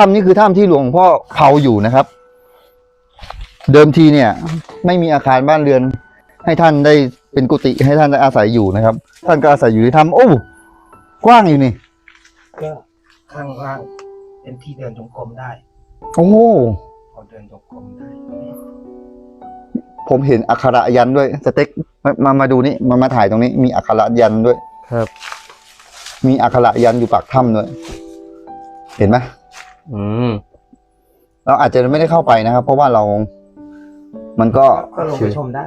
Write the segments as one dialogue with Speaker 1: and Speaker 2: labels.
Speaker 1: ถ้ำนี้คือถ้ำที่หลวงพ่อเผาอยู่นะครับ เดิมทีเนี่ย ไม่มีอาคารบ้านเรือน ให้ท่านได้เป็นกุฏิให้ท่านได้อาศัยอยู่นะครับ ท่านก็อาศัยอยู่ในถ้ำโอ้กว้างอยู่นี่
Speaker 2: ก็ข้างล่างเป็นที่เดินจงกรมได้
Speaker 1: โอ้
Speaker 2: พอเดินจงกรมได้
Speaker 1: ผมเห็นอักขระยันต์ด้วยสเต็กมาดูนี่มาถ่ายตรงนี้มีอักขระยันต์ด้วย
Speaker 3: ครับ
Speaker 1: มีอักขระยันต์อยู่ปากถ้ำด้วยเห็นไหม เราอาจจะไม่ได้เข้าไปนะครับ เพราะว่าเรามันก็
Speaker 2: ก็ลงไปชมได้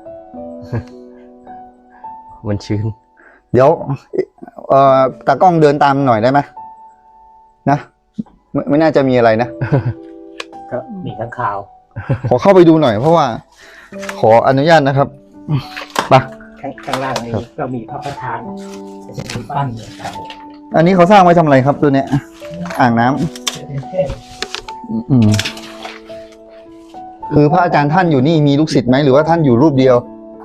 Speaker 3: มันชื้น
Speaker 1: เดี๋ยวตากล้องเดินตามหน่อยได้ไหมนะไม่น่าจะมีอะไรนะ
Speaker 2: ก็มีข้างข่าว
Speaker 1: ขอเข้าไปดูหน่อยเพราะว่า ขออนุญาตนะครับไป
Speaker 2: ข้างล่างนี้ก็มีพระประธานเป็นรูปปั้นเหมือนกัน
Speaker 1: อันนี้เขาสร้างไว้ทำอะไรครับตัวเนี้ย อ่างน้ำ
Speaker 2: เป็นเทพ
Speaker 1: อืมคือพระอาจารย์ท่านอยู่นี่มีลูกศิษย์ไหมหรือว่าท่านอยู่รูปเดียว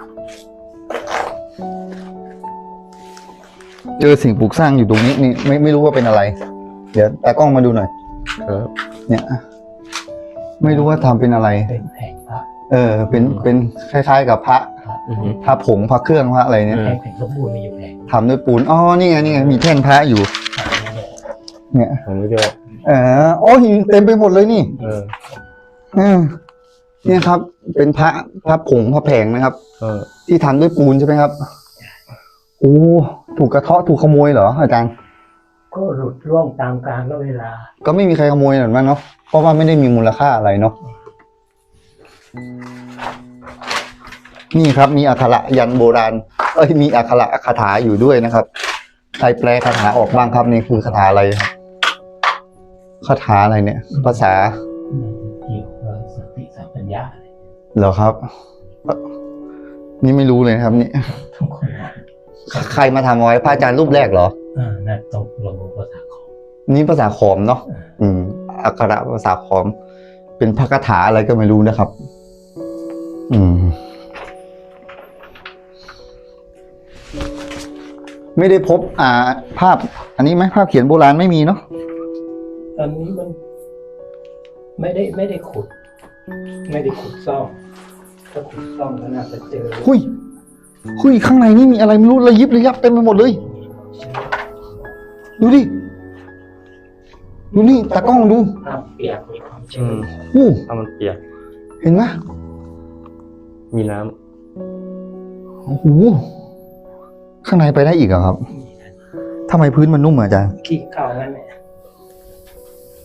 Speaker 1: เจอสิ่งปลูกสร้างอยู่ตรงนี้นี่ไม่รู้ว่าเป็นอะไร เดี๋ยวตากล้องมาดูหน่อย
Speaker 3: ครับ
Speaker 1: เนี่ย ไม่รู้ว่าทำเป็นอะไร
Speaker 2: เป็นแผงพระ
Speaker 1: เป็นคล้ายๆกับพระ พระผงพระเครื่องพระอะไรเนี่ย
Speaker 2: แผงสมบูรณ์มีอยู่แผง
Speaker 1: ทำด้วยปูนอ๋อนี่ไงมีแท่นพระอยู่ เนี่ย
Speaker 3: ผมไม่ได้
Speaker 1: โอ้หินเต็มไปหมดเลยนี่ เนี่ยครับ เป็นพระผงพระแผงนะครับ ที่ทำด้วยปูนใช่ไหมครับโอ้ถูกกระเทาะถูกขโมยเหรออาจารย์
Speaker 2: ก็หลุดร่วงตามกาลเวลา
Speaker 1: ก็ไม่มีใครขโมยหรอกมั้งเนาะเพราะว่าไม่ได้มีมูลค่าอะไรเนาะนี่ครับมีอักขระยันต์โบราณมีอักขระคาถาอยู่ด้วยนะครับใครแปลคาถาออกบ้างครับนี่คือคาถาอะไรครับคาถาอะไรเนี่ย ภาษา
Speaker 2: เกี่ยวกับสติสัมปชัญญะ
Speaker 1: เหรอครับนี่ไม่รู้เลยนะครับนี่
Speaker 2: ทุกคน
Speaker 1: ใครมาทำเอาไว้พระอาจารย์รูปแรกเหรอ
Speaker 2: นั่นตกลงภาษาของ
Speaker 1: นี่ภาษาขอมเนาะอักขระภาษาขอม เป็นพระคาถาอะไรก็ไม่รู้นะครับ ไม่ได้พบภาพ อันนี้ไหมภาพเขียนโบราณไม่มีเนาะ
Speaker 2: ตอนนี้มันไม่ได้ขุด ไม่ได้ขุดซ่อมถ้าขุดซ่อมก็น่าจะเจอ
Speaker 1: หุยข้างในนี่มีอะไรไม่รู้ระยิบระยับเต็มไปหมดเลย ดูดิ ดูนี่ตากล้องดู
Speaker 2: น้ำเปียกมีความชื้น
Speaker 3: ถ้ามันเปียก
Speaker 1: เห็นไหม
Speaker 3: มีน้
Speaker 1: โอ้โหข้างในไปได้อีกเหรอครับทำไมพื้นมันนุ่มอ่ะอาจารย์
Speaker 2: ขี้เก่างั้นเนี่ย